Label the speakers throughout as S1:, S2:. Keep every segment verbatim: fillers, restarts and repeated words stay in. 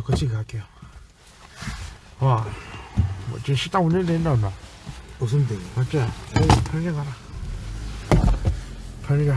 S1: 거치게 갈게요. 와, 뭐 지금 식당 운영된다 엄마.
S2: 무슨 데?
S1: 맞지? 편의점 가라. 편의점.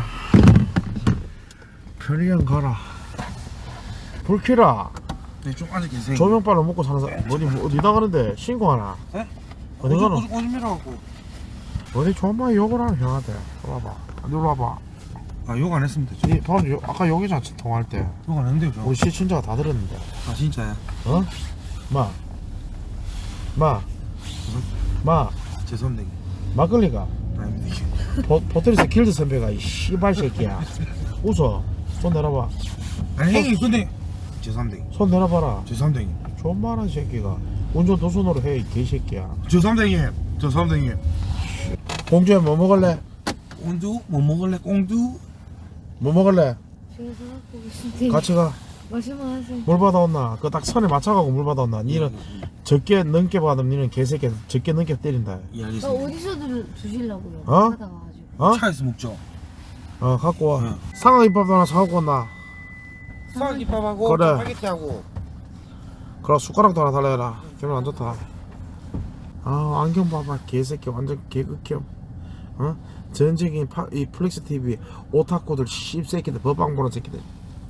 S1: 편의점 가라. 불 켜라.
S2: 네, 좀 앉아 계세요.
S1: 조명빨로 먹고 사는 사람 어디 어디 나가는데 신고하나?
S2: 네?
S1: 어디 가노?
S2: 오줌 오줌이라고.
S1: 어디 존나 욕을 하는 형한테. 와봐. 놀러 와봐.
S2: 아, 욕 안 했으면 되죠.
S1: 니 돈 요- 아까 여기서 통화할 때
S2: 욕 안 했는데요, 저.
S1: 우리 시친자가 다 들었는데.
S2: 아, 진짜야.
S1: 어? 마. 마. 마.
S2: 죄송합니다.
S1: 막걸리가.
S2: 아닙니다.
S1: 포, 포트리스 길드 선배가 이 씨발 새끼야. 웃어. 손 내려봐.
S2: 아니, 형님, 근데. 죄송합니다.
S1: 손 내려봐라.
S2: 죄송합니다, 형님.
S1: 존만한 새끼가 운전 두 손으로 해, 이 개새끼야.
S2: 죄송합니다, 형님. 죄송합니다, 형님.
S1: 공주야 뭐 먹을래?
S2: 꽁두? 뭐 먹을래, 꽁두?
S1: 뭐 먹을래?
S3: 제가 생각하고 계신데
S1: 같이 가.
S3: 말씀만 하세요.
S1: 물 받아온나? 그 딱 선에 맞춰가고 물 받아온나? 니는 적게 넘게 받으면 니는 개새끼 적게 넘게 때린다.
S2: 예,
S3: 나
S2: 알겠습니다.
S3: 어디서 들, 주실라고요?
S1: 어?
S3: 하다가 가지고.
S1: 어?
S2: 차에서 먹죠.
S1: 어 갖고 와.
S2: 응.
S1: 상어김밥도 하나 사갖고 온나?
S2: 쌀김밥하고
S1: 그래.
S2: 짜파게티하고.
S1: 그럼 숟가락도 하나 달라해라. 기분 안 좋다. 아 안경 봐봐 개새끼 완전 개극혐. 어? 전적인 파, 이 플렉스 티비 오타쿠들 씹새끼들 법방 보는 새끼들.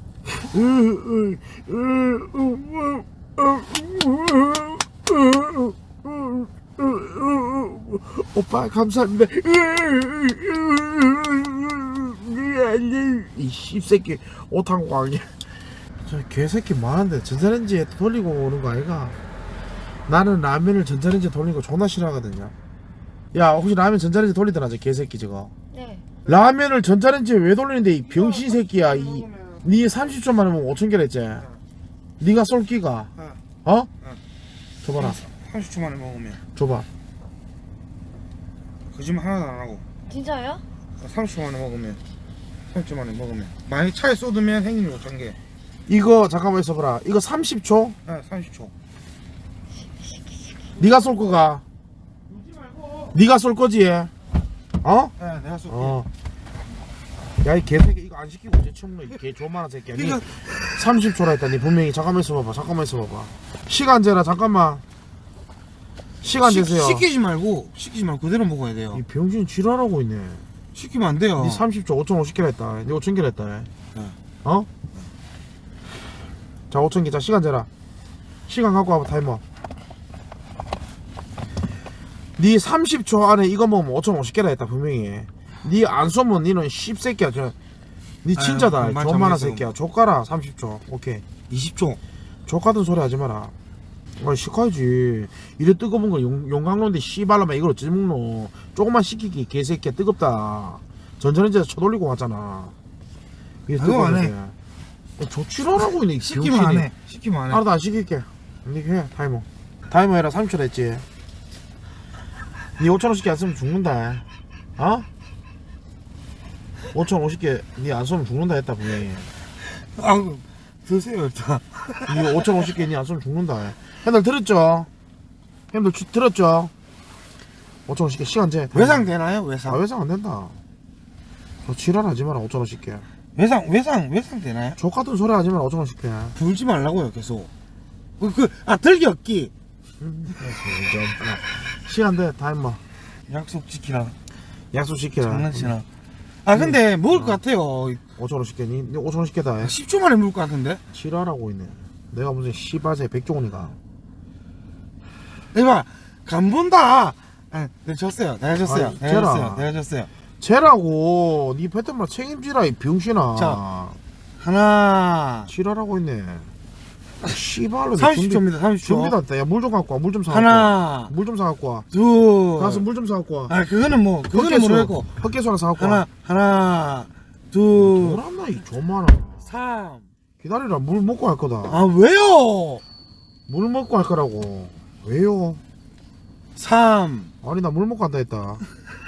S1: 오빠 감사합니다. 이 씹새끼 오타쿠 아니야. 저 개새끼 많은데 전자레인지에 돌리고 오는 거 아이가? 나는 라면을 전자레인지에 돌리는 거 존나 싫어하거든요. 야 혹시 라면 전자레인지 돌리더라 저 개새끼 저거.
S3: 네.
S1: 라면을 전자레인지에 왜 돌리는데 이 병신 새끼야. 이 니 삼십 초 만에 먹으면 오천 개를 했지. 니가 쏠 끼가 어? 줘봐라.
S2: 삼십 초 만에 먹으면.
S1: 줘봐.
S2: 거짓말 하나도 안 하고.
S3: 진짜요?
S2: 삼십 초 만에 먹으면. 삼십 초 만에 먹으면. 만약 차에 쏟으면 행님이 오천 개.
S1: 이거 잠깐만 있어봐라. 이거 삼십 초?
S2: 네, 삼십 초.
S1: 니가 쏠 거가? 니가 쏠 거지? 어?
S2: 네, 내가 쏠게.
S1: 어. 야 이 개새끼 이거 안 시키고 이제 처먹노 이개 조만한 새끼야. 니
S2: 이거-
S1: 삼십 초라 했다. 니 분명히 잠깐만 있어봐봐. 잠깐만 있어봐봐. 시간 재라 잠깐만. 시간
S2: 시,
S1: 재세요.
S2: 시키지 말고 시키지 말고 그대로 먹어야 돼요.
S1: 이 병신 지랄하고 있네.
S2: 시키면 안 돼요.
S1: 니 삼십 초 오천오십 개를 했다. 니 오천 개를 했다.
S2: 네.
S1: 어? 자 오천 개. 자 시간 재라. 시간 갖고 와봐 타이머. 니 삼십 초 안에 이거 먹으면 오천오십 개라 했다 분명히. 니 안 쏘면 니는 씹새끼야. 저. 니
S2: 아유,
S1: 진짜다.
S2: 그만
S1: 존만한
S2: 참겠어.
S1: 새끼야. 족가라 삼십 초. 오케이.
S2: 이십 초.
S1: 족같은 소리 하지 마라. 아 시켜야지. 이래 뜨거운 거 용, 용광로인데 씨발라마 이걸 어찌 먹노. 조금만 식히기 개새끼야. 뜨겁다. 전자레인지에서 쳐돌리고 왔잖아. 이게
S2: 그거 안 해.
S1: 조치라라고 있네. 이
S2: 시키면 안
S1: 병신이.
S2: 해. 시키면 안 해.
S1: 알아도 안 시킬게. 니가 해 타이머. 타이머 해라. 삼십 초 됐지. 니 오천오십 개 안 쓰면 죽는다. 어? 오천오십 개 니 안 쓰면 죽는다 했다 분명히.
S2: 아, 드세요 일단.
S1: 니 오천오십 개 니 안 쓰면 죽는다. 형들 들었죠? 형들 주, 들었죠? 오천오십 개 시간 재.
S2: 외상 되나요? 외상.
S1: 아 외상 안 된다. 저 지랄하지 마라. 오천오십 개.
S2: 외상 외상 외상 되나요?
S1: 족같은 소리 하지 마라. 오천오십 개.
S2: 불지 말라고요 계속. 그, 그, 아 들기 없기.
S1: 시간 돼. 타이머.
S2: 약속 지키라.
S1: 약속 시키라.
S2: 장난치나. 아 근데 먹을 것 같아요.
S1: 오천오십 개. 니, 니 오천오십 개다.
S2: 십 초 만에 먹을 것 같은데.
S1: 지랄하고 있네. 내가 무슨 씨발새 백종원이가.
S2: 이봐 간 본다. 아, 내가 졌어요. 내가 졌어요.
S1: 아니,
S2: 내가
S1: 쟤라.
S2: 졌어요. 내가 졌어요.
S1: 쟤라고. 니 패턴만 책임지라 이 병신아.
S2: 자. 하나.
S1: 지랄하고 있네. 씨발로.
S2: 삼십 초입니다. 삼십 초.
S1: 준비다. 야 물 좀 갖고 와. 물 좀 사갖고 와.
S2: 하나.
S1: 물 좀 사갖고 와.
S2: 둘.
S1: 가서 물 좀 사갖고 와.
S2: 아 그거는 뭐 그거는
S1: 헛개수.
S2: 모르겠고.
S1: 헛개수 하나 사갖고
S2: 하나
S1: 와.
S2: 하나 둘
S1: 뭐란나 이 존만아.
S2: 삼.
S1: 기다리라. 물 먹고 할 거다.
S2: 아 왜요?
S1: 물 먹고 할 거라고. 왜요?
S2: 삼.
S1: 아니 나 물 먹고 한다 했다.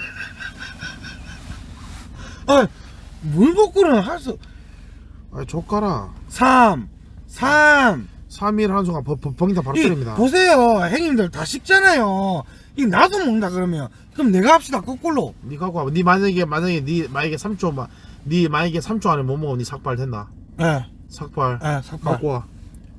S2: 아물 먹고는 할 수.
S1: 아니 족가라.
S2: 삼. 삼.
S1: 삼 일 한순간 버, 버, 벙이다 바로
S2: 이,
S1: 때립니다.
S2: 보세요 형님들 다 식잖아요. 이 나도 먹는다 그러면 그럼 내가 합시다 거꾸로.
S1: 니 갖고 와봐. 니 만약에 만약에 니 만약에 삼 초만 니 만약에 삼 초 안에 못 먹으면 니 삭발 된다.
S2: 예.
S1: 삭발.
S2: 예 삭발.
S1: 갖고 와.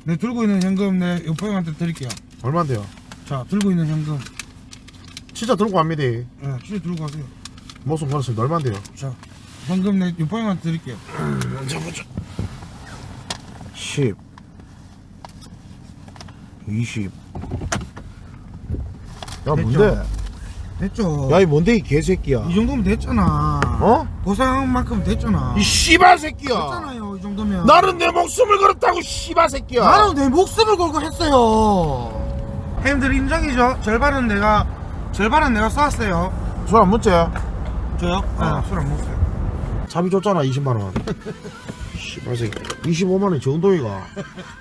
S2: 내 들고 있는 현금 내 옆에 형한테 드릴게요.
S1: 얼마인데요?
S2: 자, 들고 있는 현금.
S1: 진짜 들고 갑니다.
S2: 예, 진짜 들고 가세요.
S1: 모습 걸었습니다. 얼마인데요?
S2: 자, 현금 내 옆에 형한테 드릴게요.
S1: 먼저 보자. 십 이십 야 뭔데?
S2: 됐죠?
S1: 야 이 뭔데 이 개새끼야.
S2: 이 정도면 됐잖아.
S1: 어?
S2: 고생한 만큼 됐잖아.
S1: 이 씨발 새끼야.
S2: 됐잖아요, 이 정도면.
S1: 나는 내 목숨을 걸었다고 씨발 새끼야.
S2: 나는 내 목숨을 걸고 했어요. 형님들 인정이죠? 절반은 내가 절반은 내가 쐈어요.
S1: 술 안 먹지?
S2: 저요?
S1: 어.
S2: 네, 술 안 먹었어요.
S1: 자비 줬잖아 이십만 원. 씨발 새끼. 이십오만 원이 정도이가.